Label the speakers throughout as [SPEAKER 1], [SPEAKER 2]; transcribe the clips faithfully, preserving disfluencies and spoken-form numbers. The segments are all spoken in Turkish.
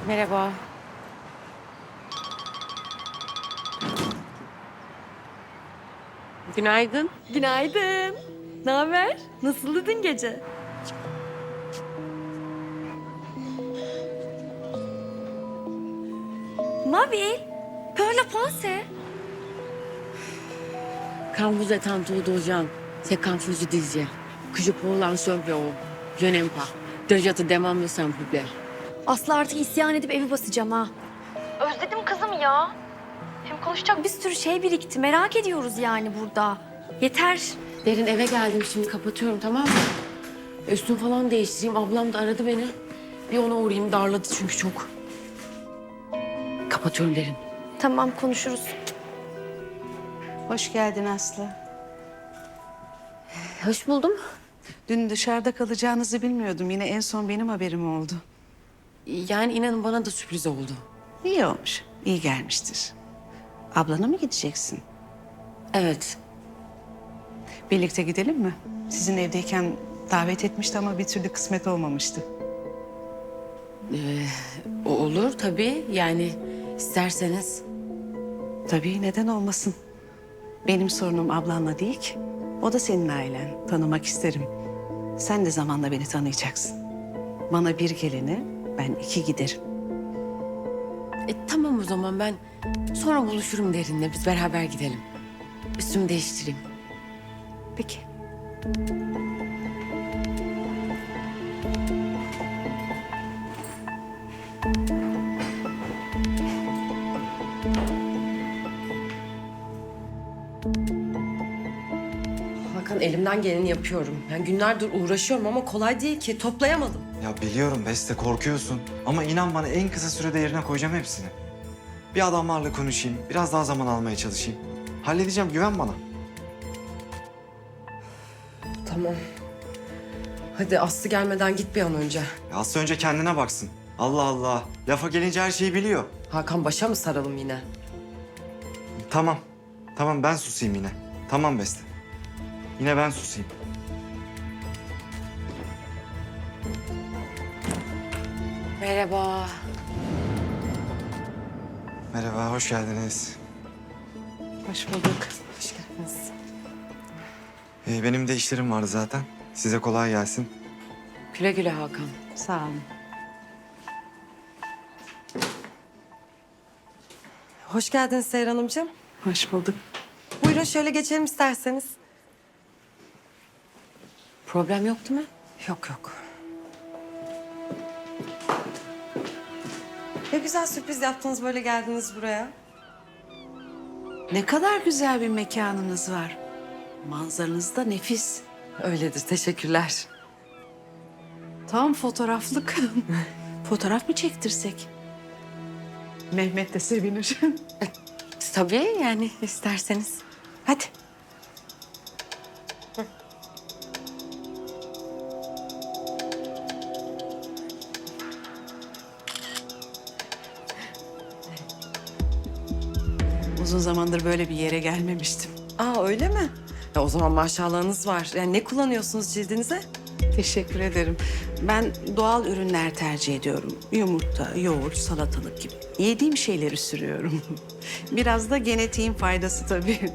[SPEAKER 1] Merhaba. Günaydın.
[SPEAKER 2] Günaydın. Ne haber? Nasıldı dün gece? Nabil, que la pensée?
[SPEAKER 1] Quand vous êtes entouré de gens, c'est quand vous disiez que je peux lancer un bureau. Je n'aime pas. Donc je te demande s'il vous plaît.
[SPEAKER 2] Aslı artık isyan edip evi basacağım ha. Özledim kızım ya. Hem konuşacak bir sürü şey birikti. Merak ediyoruz yani burada. Yeter.
[SPEAKER 1] Derin eve geldim şimdi kapatıyorum tamam mı? Üstüm falan değiştireyim. Ablam da aradı beni. Bir ona uğrayayım darladı çünkü çok. Kapatıyorum Derin.
[SPEAKER 2] Tamam konuşuruz.
[SPEAKER 3] Hoş geldin Aslı.
[SPEAKER 1] Hoş buldum.
[SPEAKER 3] Dün dışarıda kalacağınızı bilmiyordum. Yine en son benim haberim oldu.
[SPEAKER 1] Yani inanın bana da sürpriz oldu.
[SPEAKER 3] İyi olmuş. İyi gelmiştir. Ablana mı gideceksin?
[SPEAKER 1] Evet.
[SPEAKER 3] Birlikte gidelim mi? Sizin evdeyken davet etmişti ama bir türlü kısmet olmamıştı.
[SPEAKER 1] Ee, o olur tabii. Yani isterseniz.
[SPEAKER 3] Tabii neden olmasın? Benim sorunum ablanla değil ki. O da senin ailen. Tanımak isterim. Sen de zamanla beni tanıyacaksın. Bana bir gelene ben iki giderim.
[SPEAKER 1] E, tamam o zaman ben sonra buluşurum Derin'le. Biz beraber gidelim. Üstümü değiştireyim.
[SPEAKER 3] Peki.
[SPEAKER 4] Hakan elimden geleni yapıyorum. Ben günlerdir uğraşıyorum ama kolay değil ki. Toplayamadım.
[SPEAKER 5] Ya biliyorum Beste korkuyorsun ama inan bana en kısa sürede yerine koyacağım hepsini. Bir adamlarla konuşayım, biraz daha zaman almaya çalışayım. Halledeceğim, güven bana.
[SPEAKER 4] Tamam. Hadi Aslı gelmeden git bir an önce.
[SPEAKER 5] Ya Aslı önce kendine baksın. Allah Allah, lafa gelince her şeyi biliyor.
[SPEAKER 4] Hakan başa mı saralım yine?
[SPEAKER 5] Tamam, tamam ben susayım yine. Tamam Beste. Yine ben susayım.
[SPEAKER 1] Merhaba.
[SPEAKER 5] Merhaba, hoş geldiniz.
[SPEAKER 3] Hoş bulduk.
[SPEAKER 4] Hoş geldiniz.
[SPEAKER 5] Ee, benim de işlerim vardı zaten. Size kolay gelsin.
[SPEAKER 1] Güle güle Hakan.
[SPEAKER 3] Sağ olun.
[SPEAKER 4] Hoş geldiniz Seher Hanımcığım.
[SPEAKER 3] Hoş bulduk.
[SPEAKER 4] Buyurun şöyle geçelim isterseniz.
[SPEAKER 1] Problem yok değil mi?
[SPEAKER 4] Yok yok. Ne güzel sürpriz yaptınız böyle geldiniz buraya.
[SPEAKER 3] Ne kadar güzel bir mekanınız var. Manzaranız da nefis.
[SPEAKER 4] Öyledir teşekkürler.
[SPEAKER 3] Tam fotoğraflık. Fotoğraf mı çektirsek? Mehmet de sevinir.
[SPEAKER 1] Tabii yani isterseniz.
[SPEAKER 3] Hadi. Uzun zamandır böyle bir yere gelmemiştim.
[SPEAKER 4] Aa öyle mi? Ya o zaman maşallahınız var. Yani ne kullanıyorsunuz cildinize?
[SPEAKER 3] Teşekkür ederim. Ben doğal ürünler tercih ediyorum. Yumurta, yoğurt, salatalık gibi. Yediğim şeyleri sürüyorum. Biraz da genetiğin faydası tabii.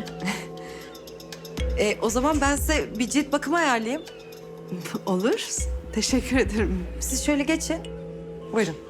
[SPEAKER 4] E, o zaman ben size bir cilt bakımı ayarlayayım.
[SPEAKER 3] Olur. Teşekkür ederim.
[SPEAKER 4] Siz şöyle geçin. Buyurun.